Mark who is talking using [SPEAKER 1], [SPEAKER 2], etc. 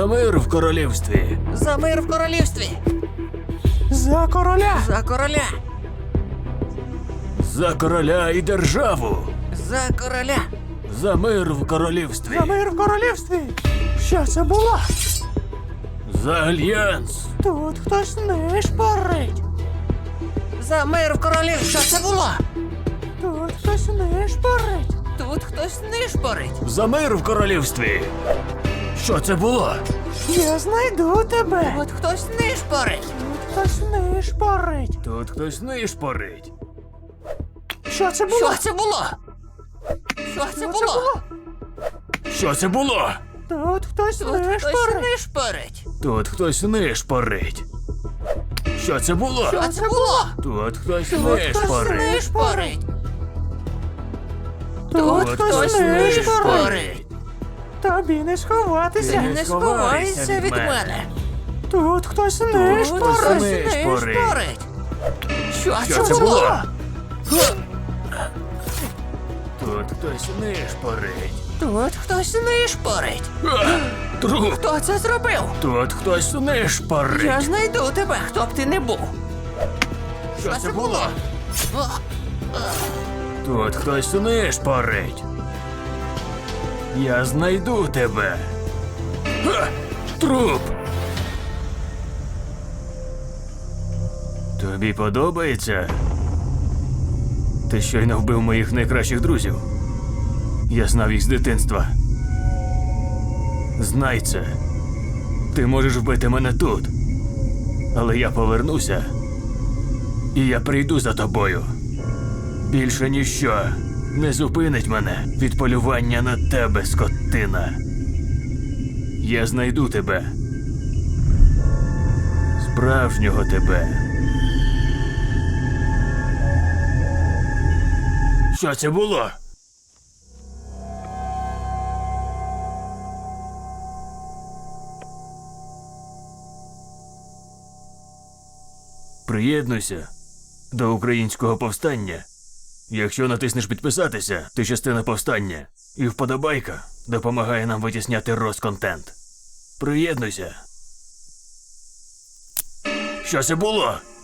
[SPEAKER 1] За мир в королівстві.
[SPEAKER 2] За мир в королівстві.
[SPEAKER 3] За короля!
[SPEAKER 2] За короля.
[SPEAKER 1] За короля і державу.
[SPEAKER 2] За короля.
[SPEAKER 1] За мир в королівстві.
[SPEAKER 3] За мир в королівстві! Що це було?
[SPEAKER 1] За альянс.
[SPEAKER 3] Тут хтось нишпорить.
[SPEAKER 2] За мир в королівстві. Що це було?
[SPEAKER 3] Тут хтось нишпорить.
[SPEAKER 2] Тут хтось нишпорить.
[SPEAKER 1] За мир в королівстві. Що це було?
[SPEAKER 3] Я знайду тебе.
[SPEAKER 2] От хтось нишпорить.
[SPEAKER 3] Тут хтось нишпорить.
[SPEAKER 1] Тут хтось нишпорить.
[SPEAKER 3] Що це було?
[SPEAKER 2] Що це було? Що це було?
[SPEAKER 1] Що це було?
[SPEAKER 3] Тут хтось
[SPEAKER 2] Тут хтось
[SPEAKER 3] нишпорить.
[SPEAKER 2] нишпорить.
[SPEAKER 1] Тут хтось нишпорить. Що це було?
[SPEAKER 2] Що це було?
[SPEAKER 1] Тут хтось
[SPEAKER 3] хтось
[SPEAKER 1] нишпорить.
[SPEAKER 2] Нишпорить.
[SPEAKER 3] Тут хтось нишпорить.
[SPEAKER 2] нишпорить.
[SPEAKER 3] Тобі не сховатися.
[SPEAKER 2] Ти не сховайся від мене.
[SPEAKER 3] Тут хтось
[SPEAKER 2] Тут
[SPEAKER 3] нишпорить.
[SPEAKER 2] хтось
[SPEAKER 1] нишпорить.
[SPEAKER 2] нишпорить. Що
[SPEAKER 1] Що це
[SPEAKER 2] це
[SPEAKER 1] було?
[SPEAKER 2] було?
[SPEAKER 1] Тут хтось нишпорить.
[SPEAKER 2] Тут хтось нишпорить.
[SPEAKER 1] Труп.
[SPEAKER 2] Хто це зробив?
[SPEAKER 1] Тут хтось
[SPEAKER 2] Я
[SPEAKER 1] нишпорить.
[SPEAKER 2] знайду тебе, хто б ти не був.
[SPEAKER 1] Що це було?
[SPEAKER 2] О,
[SPEAKER 1] Тут хтось нишпорить. Я знайду тебе. Ха! Труп. Тобі подобається? Ти щойно вбив моїх найкращих друзів. Я знав їх з дитинства. Знай це. Ти можеш вбити мене тут. Але я повернуся. І я прийду за тобою. Більше ніщо не зупинить мене від полювання на тебе, скотина. Я знайду тебе. Справжнього тебе. Що це було? Приєднуйся до українського повстання. Якщо натиснеш підписатися, ти частина повстання. І вподобайка допомагає нам витісняти розконтент. Приєднуйся. Що це було?